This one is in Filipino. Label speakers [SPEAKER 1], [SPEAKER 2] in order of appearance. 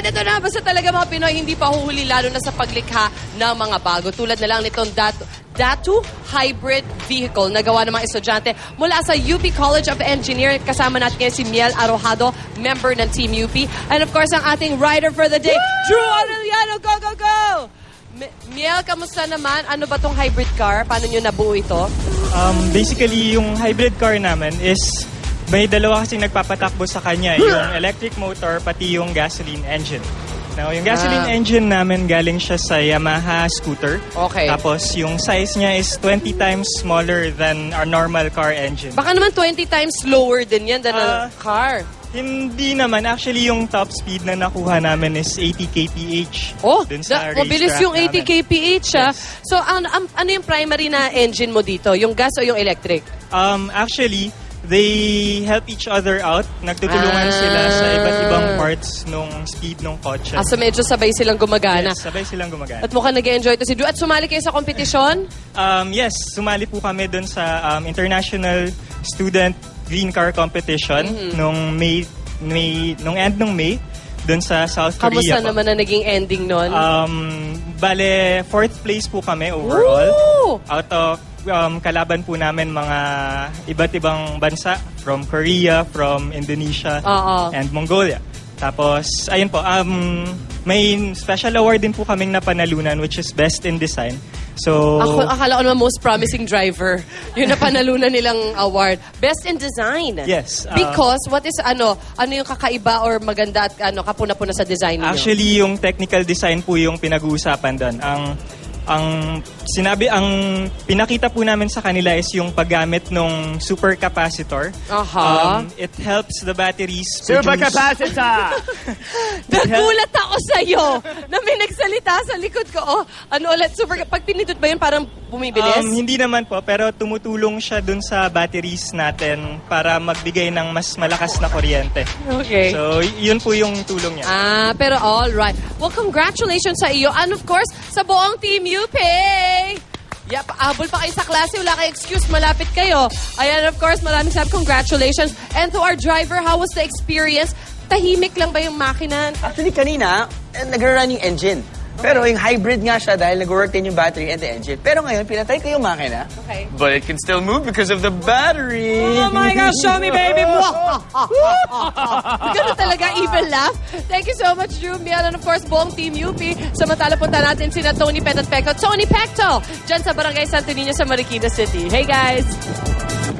[SPEAKER 1] Alright, ito na. Basta talaga mga Pinoy hindi pa huhuli lalo na sa paglikha ng mga bago. Tulad na lang nitong Datu Hybrid Vehicle na gawa ng mga estudyante mula sa UP College of Engineering. Kasama natin ngayon si Miel Arojado, member ng Team UP. And of course, ang ating rider for the day, Drew Aureliano. Go, go, go! Miel, kamusta naman? Ano ba tong hybrid car? Paano nyo nabuo ito?
[SPEAKER 2] Basically, yung hybrid car namin is may dalawa kasing nagpapatakbo sa kanya. Yung electric motor, pati yung gasoline engine. Now, yung gasoline engine namin galing siya sa Yamaha scooter.
[SPEAKER 1] Okay.
[SPEAKER 2] Tapos, yung size niya is 20 times smaller than our normal car engine.
[SPEAKER 1] Baka naman 20 times slower din yan than a car.
[SPEAKER 2] Hindi naman. Actually, yung top speed na nakuha namin is 80 kph.
[SPEAKER 1] Oh,
[SPEAKER 2] dun sa
[SPEAKER 1] mabilis
[SPEAKER 2] racetrack
[SPEAKER 1] yung 80
[SPEAKER 2] namin.
[SPEAKER 1] kph.
[SPEAKER 2] Yes.
[SPEAKER 1] So, ano yung primary na engine mo dito? Yung gas o yung electric?
[SPEAKER 2] Actually, they help each other out. Nagtutulungan sila sa iba't ibang parts nung speed ng kotse.
[SPEAKER 1] So medyo sabay silang gumagana.
[SPEAKER 2] Yes, sabay silang gumagana.
[SPEAKER 1] At mukhang nag-enjoy to si Drew. At sumali kayo sa kompetisyon?
[SPEAKER 2] Yes, sumali po kami dun sa International Student Green Car Competition nung end ng May dun sa South Korea.
[SPEAKER 1] Kamusta naman na naging ending nun?
[SPEAKER 2] Bale, 4th place po kami overall.
[SPEAKER 1] Woo!
[SPEAKER 2] Out of kalaban po namin mga iba't ibang bansa from Korea, from Indonesia, and Mongolia. Tapos, ayun po, may special award din po kaming napanalunan which is Best in Design. So,
[SPEAKER 1] Akala ko naman most promising driver. Yun na panalunan nilang award. Best in design.
[SPEAKER 2] Yes.
[SPEAKER 1] Because what is ano yung kakaiba or maganda at kapuna-puna sa design niyo?
[SPEAKER 2] Actually, yung technical design po yung pinag-uusapan doon. Ang pinakita po namin sa kanila is yung paggamit ng supercapacitor. It helps the batteries
[SPEAKER 3] Supercapacitor!
[SPEAKER 1] Nagulat ako sa'yo na may nagsalita sa likod ko. Pag pinindot ba yun parang bumibilis?
[SPEAKER 2] Hindi naman po, pero tumutulong siya dun sa batteries natin para magbigay ng mas malakas na kuryente.
[SPEAKER 1] Okay.
[SPEAKER 2] So, yun po yung tulong niya.
[SPEAKER 1] Pero all right. Well, congratulations sa iyo. And of course, sa buong Team UP. Yep, abol pa kayo sa klase. Wala kayo excuse. Malapit kayo. Ayan, of course, maraming congratulations. And to our driver, how was the experience? Tahimik lang ba yung makina?
[SPEAKER 3] Actually, kanina, nag-run yung engine. Pero yung hybrid nga siya dahil nag-work din yung battery and the engine. Pero ngayon, pinatay ko yung makina.
[SPEAKER 1] Okay.
[SPEAKER 3] But it can still move because of the battery.
[SPEAKER 1] Oh my gosh, show me, baby! Ganun talaga, even laugh. Thank you so much, Drew, Miel, and of course, buong Team UP. Samantala punta natin sina Tony Pet at Pecto. Tony Pecto, dyan sa Barangay Santo Niño sa Marikina City. Hey, guys!